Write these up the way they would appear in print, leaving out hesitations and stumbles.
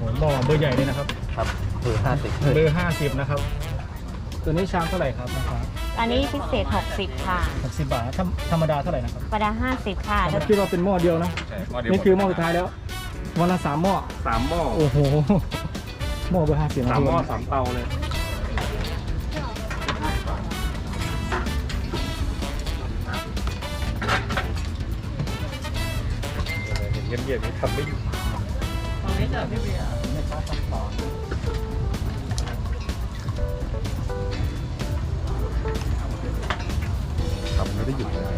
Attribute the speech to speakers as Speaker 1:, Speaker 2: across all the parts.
Speaker 1: หม้อเบอร์ใหญ่เลยนะครับ
Speaker 2: ครับเบอร์50
Speaker 1: เบอร์50นะครับตัวนี้ชามเท่าไหร่ครับนะครับ
Speaker 3: อันนี้พิเศษ60ค่ะ
Speaker 1: 60 บาทธรรมดาเท่าไหร่นะครับ
Speaker 3: ธรรมดา50ค่ะ
Speaker 1: ผมคิดว่าเป็นหม้อเดียวนะนี่คือหม้อสุดท้ายแล้ววันละ3 หม้อ
Speaker 2: 3 หม้อ
Speaker 1: โอ้โหหม้อเบอร์50
Speaker 2: 3 หม้อ3 เตาเลยเงียบๆนี่ทำไม่อยู่ตอนนี้เจอพี่เบียร์ทำไม่ได้หยุดเลย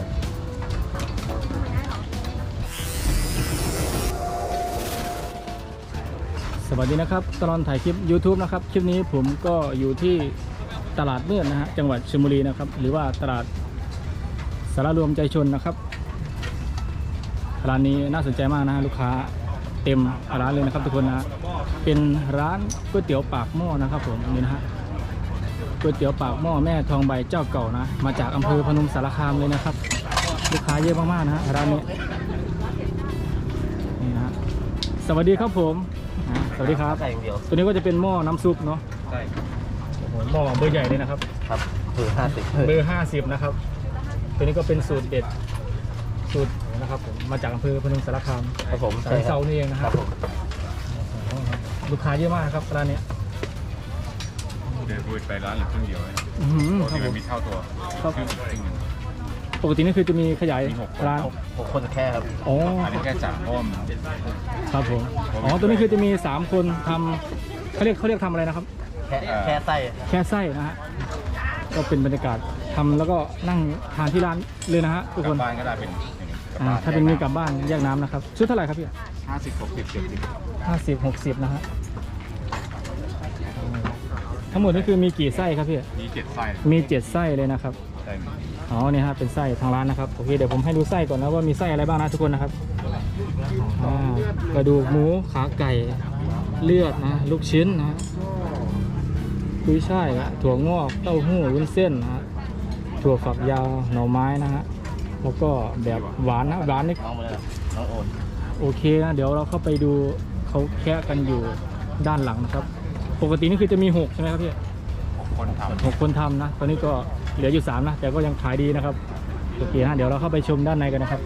Speaker 1: สวัสดีนะครับตลอดถ่ายคลิป YouTube นะครับคลิปนี้ผมก็อยู่ที่ตลาดมืดนะฮะจังหวัดชลบุรีนะครับหรือว่าตลาดสารรวมใจชนนะครับร้านนี้น่าสนใจมากนะฮะลูกค้าเต็มร้านเลยนะครับทุกคนนะเป็นร้านก๋วยเตี๋ยวปากหม้อนะครับผมนี่นะฮะก๋วยเตี๋ยวปากหม้อแม่ทองใบเจ้าเก่านะมาจากอำเภอพนมสารคามเลยนะครับลูกค้าเยอะมากๆนะฮะร้านนี้นี่นะสวัสดีครับผมสวัสดีครับตัวนี้ก็จะเป็นหม้อน้ำซุปเนาะ
Speaker 2: ใช่
Speaker 1: โอ้โหหม้อเบอร์ใหญ่เลยนะครับ
Speaker 2: ครับเบอร์
Speaker 1: 50นะครับตัวนี้ก็เป็นสูตรเด็ดสูตรนะครับผมมาจากอำเภอพนมสารคาม
Speaker 2: ครับผม
Speaker 1: สายเซานี่เองนะครับลูกค้าเยอะมากครับร้านนี้
Speaker 4: เดินไปร้านหรือครึ่งเดียวที่มันมีเท่าตัว
Speaker 1: ปกตินี่คือจะมีขยายร้าน
Speaker 2: 6 คนแค่ครับ
Speaker 1: อ๋อ
Speaker 4: อันนี้แค่จ่าอ้อม
Speaker 1: ครับผมอ๋อตัวนี้คือจะมี3 คนทำเขาเรียกทำอะไรนะครับ
Speaker 2: แค่ไ
Speaker 1: ส้นะฮะก็เป็นบรรยากาศทำแล้วก็นั่งทานที่ร้านเลยนะฮะทุกคน
Speaker 4: บ้านก็ได้เป็น
Speaker 1: ถ้าเป็นมีกลับบ้านแยกน้ำนะครับชุดเท่าไหร่ครับพี่50-60นะฮะทั้งหมดนี่คือมีกี่ไส้ครับพี่
Speaker 4: มี7 ไส้
Speaker 1: มี7 ไส้เลยนะครับอ๋อนี่ฮะเป็นไส้ทางร้านนะครับโอเคเดี๋ยวผมให้ดูไส้ก่อนนะว่ามีไส้อะไรบ้างนะทุกคนนะครับกระดูกหมูขาไก่เลือดนะลูกชิ้นนะกุ้ยช่ายถั่วงอกเต้าหู้วุ้นเส้นนะฮะถั่วฝักยาวหน่อไม้นะฮะแล้วก็แบบหวานนะหวานนี่โอเคนะเดี๋ยวเราเข้าไปดูเขาแคะกันอยู่ด้านหลังนะครับปกตินี่คือจะมี6ใช่ไหมครับพี่6 คนทำนะตอนนี้ก็เหลืออยู่3นะแต่ก็ยังขายดีนะครับโอเคนะเดี๋ยวเราเข้าไปชมด้านในกันนะครับ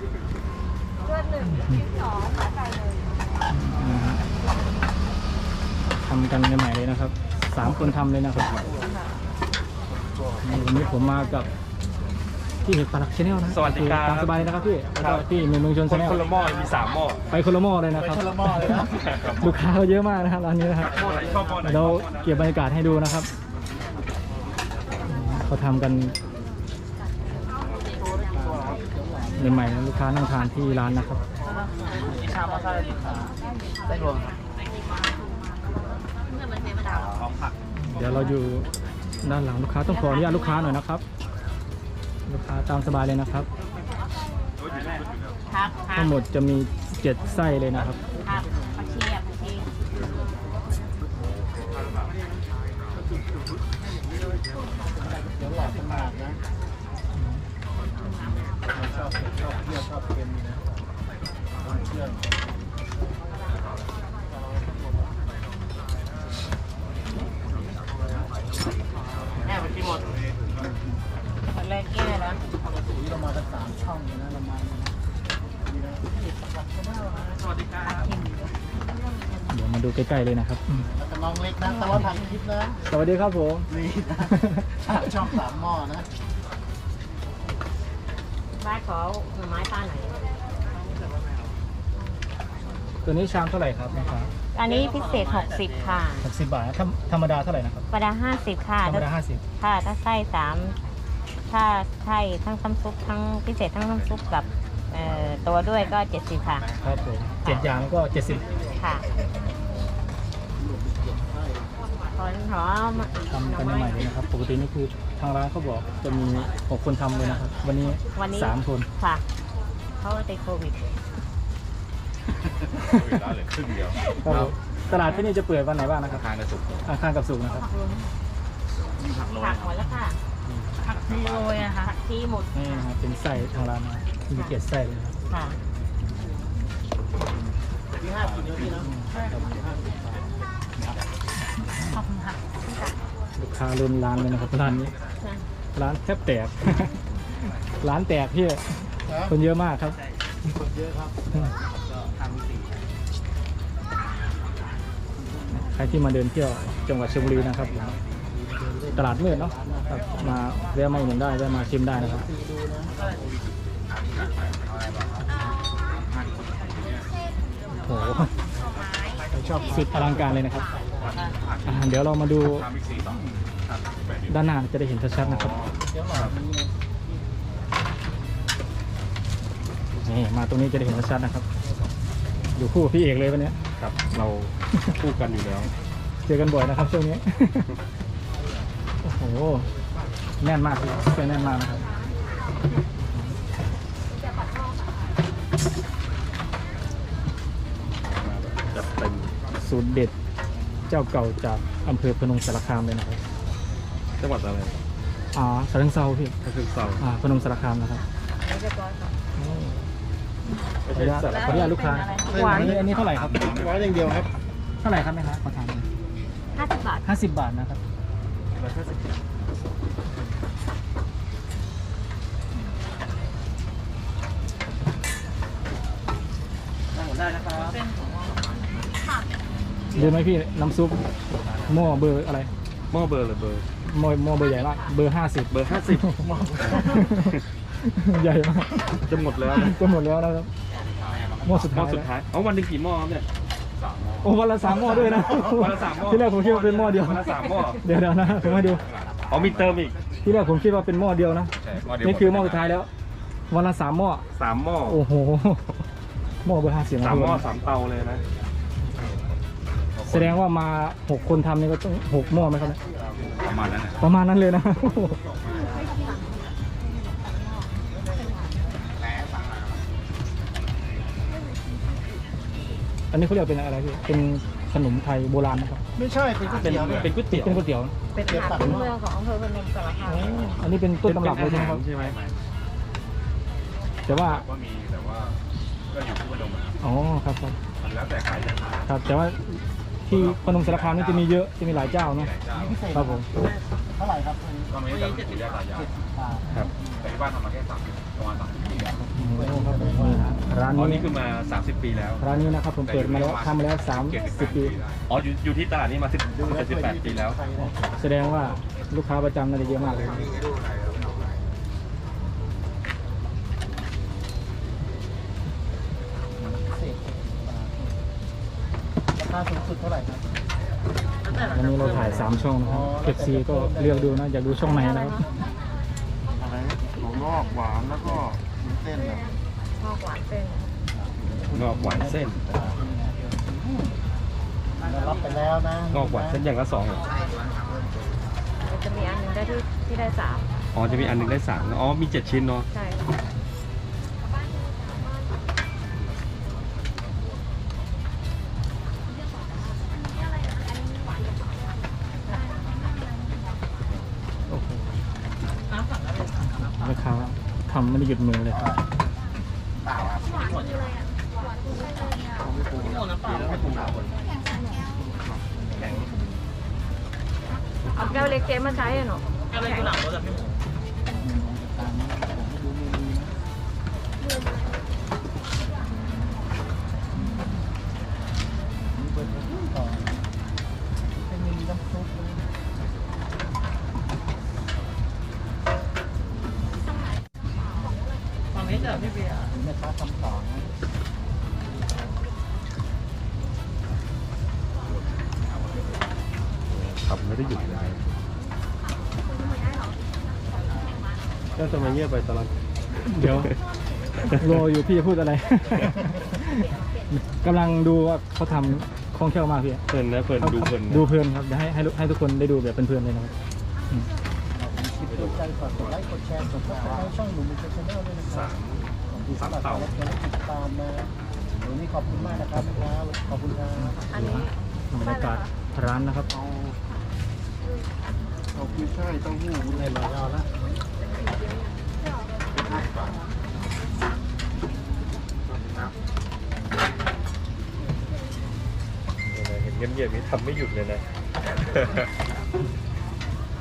Speaker 1: ทำกันใหม่ๆเลยนะครับ3 คนทำเลยนะครับวันนี้ผมมากับพี่เห็ดปลาหลักชาแนลนะ
Speaker 2: สวัสดีครับ
Speaker 1: ตามสบายเลยนะครับพี่แล้วก็พี่เมืองชนชาแนล
Speaker 2: คนละหม้อมี3 หม้อ
Speaker 1: ไปคนละหม้อเลยนะครับลูกค้าเยอะมากนะครับร้านนี้นะครับเราเก็บบรรยากาศให้ดูนะครับเขาทำกันใหม่ๆลูกค้านั่งทานที่ร้านนะครับเดี๋ยวเราอยู่ด้านหลังลูกค้าต้องขออนุญาตลูกค้าหน่อยนะครับลูกค้าตามสบายเลยนะครับทั้งหมดจะมี7 ไส้เลยนะครับ
Speaker 3: แม่ไปที่หมดแรกแก่แล้ว
Speaker 1: เรามากัน3 ช่องนะเรามา
Speaker 2: สวัสดีครับ
Speaker 1: เดี๋ยวมาดูใกล้ๆเลยนะครับ
Speaker 5: น้องเล็กนะตลอดทางคลิปนะ
Speaker 1: สวัสดีครับผม
Speaker 5: นี่นะช่อง3 หม้อนะ
Speaker 3: บ้านขอหน่อไม้ป้าหน่อย
Speaker 1: ตัวนี้ชามเท่าไหร่ครับนะครับ
Speaker 3: อันนี้พิเศษ60ค่ะ
Speaker 1: 60 บาทธรรมดาเท่าไหร่นะครับ
Speaker 3: ธรรมดา50ค่ะ
Speaker 1: ธรรมดา50
Speaker 3: ค่ะถ้าไส้3ถ้าไส้ทั้งน้ำซุปทั้งพิเศษทั้งน้ำซุปกับตัวด้วยก็70ค่ะ
Speaker 1: ครับผม7 อย่างก็70
Speaker 3: ค่ะ
Speaker 1: ทำกันใหม่เลยนะครับปกตินี่คือทางร้านเขาบอกจะมี6 คนทำเลยนะครับวันนี้3 คน
Speaker 3: ค่ะเพราะว่าติดโควิด
Speaker 4: ร้านเหลือครึ่งเดียว
Speaker 1: ตลาดที่นี่จะเปิดวันไหนบ้างนะครับอังคารกับศุกร์นะครับ
Speaker 3: ผักหมดแล้วค่ะผักทีโรยนะคะผักทีหมด
Speaker 1: นี่นะครับเป็นไส้ทางร้านนะมี7 ไส้เลยค่ะ
Speaker 5: ที่5 กินเยอะดีนะ
Speaker 1: ค้าเริ่มร้านเลยนะครับร้านนี้ร้านแทบแตก ร้านแตกพี่คนเยอะมากครับ
Speaker 5: คนเยอะครับ
Speaker 1: ใครที่มาเดินเที่ยวจังหวัดชลบุรีนะครับตลาดมืดเนาะครับมาแวะมาอุดหนุนได้แวะมาชิมได้นะครับโอ้โหชอบสุดอลังการเลยนะครับเดี๋ยวเรามาดูด้านหน้าจะได้เห็นชัดๆนะครับนี่มาตรงนี้จะได้เห็นชัดๆนะครับอยู่คู่กับพี่เอกเลยวันนี้
Speaker 2: ครับเราคู่กันอยู่แล้ว
Speaker 1: เจอกันบ่อยนะครับช่วงนี้ โอ้โหแน่นมากเลยเสื้อแน่นมากนะครับ
Speaker 2: จัดเต็ม
Speaker 1: สูตรเด็ดเจ้าเก่าจากอำเภอพนมสารคามเลยนะครับ
Speaker 2: จังหวัดอะไร
Speaker 1: สารเซาพี่
Speaker 2: ก็คือเซา
Speaker 1: พนมสารคามนะครับ
Speaker 2: ไม่ใช่สาร
Speaker 1: ขออนุญาตลูกค้า
Speaker 3: หวาน
Speaker 1: อันนี้เท่าไหร่ครับ
Speaker 5: ร้อยอย่างเดียวครับ
Speaker 1: เท่าไหร่ครับแม่ค้าขอถาม
Speaker 3: 50 บาท
Speaker 1: 50 บาทนะครับดูไหมพี่น้ำซุปหม้อเบอร์อะไร
Speaker 2: หม้อเบอร์หรือเบอร์
Speaker 1: หม้อเบอร์ใหญ่มากเบอร์ 50
Speaker 2: เบอร์
Speaker 1: ใหญ่มาก
Speaker 2: 50จะหมดแล้วนะ
Speaker 1: จะหมดแล้วนะครับหม้อสุด
Speaker 2: หม้
Speaker 1: ท้า
Speaker 2: อย สุดท้ายเอาวันหนึงกี่หม้อครับเนี่ย
Speaker 1: โอ้วันละ3 หม้อด้วยนะ
Speaker 2: วันละ3หม้อ
Speaker 1: ที่แรกผมคิดว่าเป็นหม้อเดียว
Speaker 2: วันละ3หม้อ
Speaker 1: เดี๋ยวนะผมให้ดู
Speaker 2: เอามีเติมอีก
Speaker 1: ที่แรกผมคิดว่าเป็นหม้อเดียวนะนี่คือหม้อสุดท้ายแล้ววันละ3 หม้อ
Speaker 2: 3หม้อ
Speaker 1: โอ้โหหม้อเบอร์ 50
Speaker 2: 3หม้อ3เตาเลยนะ
Speaker 1: แสดงว่ามา6 คนทำนี่ก็ต้อง6 หม้อไหมครับเนี่ย
Speaker 4: ประมาณนั้นนะ
Speaker 1: ประมาณนั้นเลยนะ อันนี้เขาเรียกเป็นอะไรพี่เป็นขนมไทยโบราณนะครับ
Speaker 5: ไม่ใช่เป็นก๋วย
Speaker 2: เป็น
Speaker 5: เตี๋ยวเนี่ย
Speaker 2: เป็นก๋วยเตี๋ยว
Speaker 1: เป็นก๋วยเตี๋ยวนะ
Speaker 3: เป็นอาหารพื้นเมืองของอำเภอพนมสารคาม
Speaker 1: อันนี้เป็นต้นตำรับเลยใช่ไหมครับ
Speaker 2: ใช่ไหม
Speaker 1: แต่ว่า
Speaker 4: ก็มีแต่ว่าก็อยู่ที่พนมอะ
Speaker 1: อ๋อครับครับ
Speaker 4: มันแล้วแต่ใครจะทาน
Speaker 1: ครับ แต่ว่าที่พนมสารคามนี่จะมีเยอะจะมีหลายเจ้าเนาะ
Speaker 4: ไหนเจ้า
Speaker 5: พิเศษ
Speaker 1: ครับผม
Speaker 5: เท่าไหร่ครับ
Speaker 4: ก็ไม่ได้แต่ปู่ย่าตายาย
Speaker 5: บาท
Speaker 2: ครับ
Speaker 4: แต่ที่บ้านทำมาแค่30ประมาณ30 ปีแล้ว
Speaker 1: โอ้โหครับผมนี่ฮะร้าน
Speaker 2: อ๋อ
Speaker 1: นี้
Speaker 2: นี่คือมา30 ปีแล้ว
Speaker 1: ร้านนี้นะครับผมเปิดมาแล้วทำมาแล้ว30 ปี
Speaker 2: อ๋ออยู่ที่ตลาดนี้มา18 ปีแล้ว
Speaker 5: ใครนะ
Speaker 1: แสดงว่าลูกค้าประจำน่าจะเยอะมากเลย
Speaker 5: พิเศษราคาสูงสุดเท่าไหร่ครับ
Speaker 1: วันนี้เราถ่าย 3 ช่องนะครับ FC ก็เลือกดูนะอยากดูช่องไหนนะครับ
Speaker 5: อะไรถั่วงอกหวานแล้วก็มีเส้นนะ
Speaker 3: ชอบหวานเส้น
Speaker 2: งอกหวานเส้น
Speaker 5: เรารับไปแล้วนะ
Speaker 2: งอกหวานเส้นอย่างละ2เหรอ
Speaker 3: มันจะมีอันหนึงได้ที่ได้
Speaker 2: อ๋อจะมีอันหนึงได้3อ๋อมี7 ชิ้นเนาะ
Speaker 3: 3 ใช่
Speaker 1: โอ้โหราคาทำไม่ได้หยุดมือเลยครับ
Speaker 3: เอาแก้วเล็กเจ๊มาใช้อะหนู
Speaker 5: เป็นมีน้ำซุปนะฝั่งนี้จะพี่เบียร์แม่ค้าทำของนะ
Speaker 2: ครับไม่ได้หยุดเลยก็จะมาเงียบไปตลอด
Speaker 1: เดี๋ยวรออยู่พี่จะพูดอะไร กำลังดูว่าเขาทำคล่องแคล่วมากพี่
Speaker 2: เพลินนะเพลินดูเพลินนะ
Speaker 1: ดูเพลินครับเดี๋ยวให้ทุกคนได้ดูแบบเพลินๆเลยนะครับ
Speaker 5: ติดใจฝากกดไลค์กดแชร์กดติดตามช่องหนุ่มมิชชั่นแนลด้วยนะครับขอบคุณสำหรับการติดตามนะวันนี้ขอบคุณมากนะครับขอบคุณครับ
Speaker 3: อันนี้
Speaker 1: บรรยากาศร้านนะครับ
Speaker 5: เอากุ้ยช่ายเต้าหู้ในหลายเอาละ
Speaker 2: เห็นเงียบๆนี้ทำไม่หยุดเลยนะ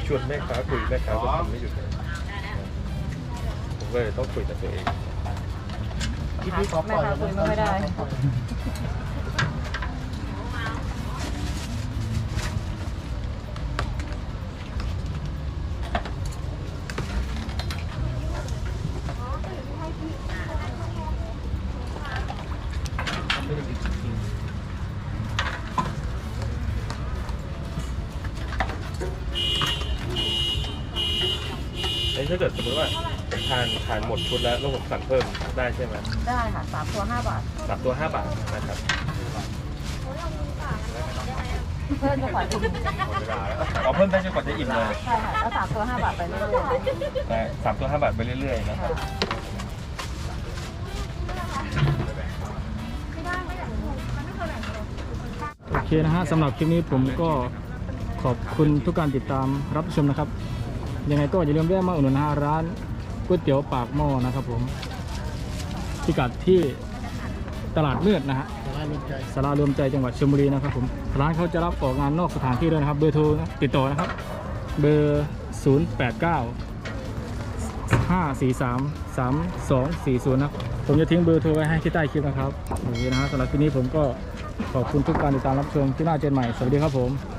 Speaker 2: ชวนแม่ค้าคุยแม่ค้าก็ทำไม่หยุดเลยผมก็เลยต้องคุยกับตัวเอง
Speaker 5: ที่พี่ขอปล่อย
Speaker 3: คุยไม่ได้
Speaker 2: ถ้าเกิดสมมติว่าทานหมดชุดแล้วผมสั่งเพิ่มได้ใช่ไหม
Speaker 3: ได้ค่ะ3 ตัว 5 บาท
Speaker 2: 3 ตัว 5 บาทนะครับ
Speaker 3: เพิ่มจะขออิ่ม
Speaker 2: เอาเพิ่มได้จนกว่าจะอิ่มเลย
Speaker 3: ใช่ค่ะแล้ว3 ตัว 5 บาทไปเรื่อย
Speaker 2: แต่3 ตัว 5 บาทไปเรื่อยๆนะครับ
Speaker 1: โอเคนะฮะสำหรับคลิปนี้ผมก็ขอบคุณทุกการติดตามรับชมนะครับยังไงก็อย่าลืมแวะมาอุดหนุนร้านก๋วยเตี๋ยวปากหม้อนะครับผมพิกัดที่ตลาดมืดนะฮะ
Speaker 5: สาราลมใจ
Speaker 1: สารารวมใจจังหวัดชลบุรีนะครับผมร้านเขาจะรับออกงานนอกสถานที่ด้วยนะครับเบอร์โทรติดต่อนะครับเบอร์ 089-543-3240 นะผมจะทิ้งเบอร์โทรไว้ให้ที่ใต้คลิปนะครับโอเคนะฮะสำหรับคลิปนี้ผมก็ขอบคุณทุกการติดตามรับชมที่น่าเจอกันใหม่สวัสดีครับผม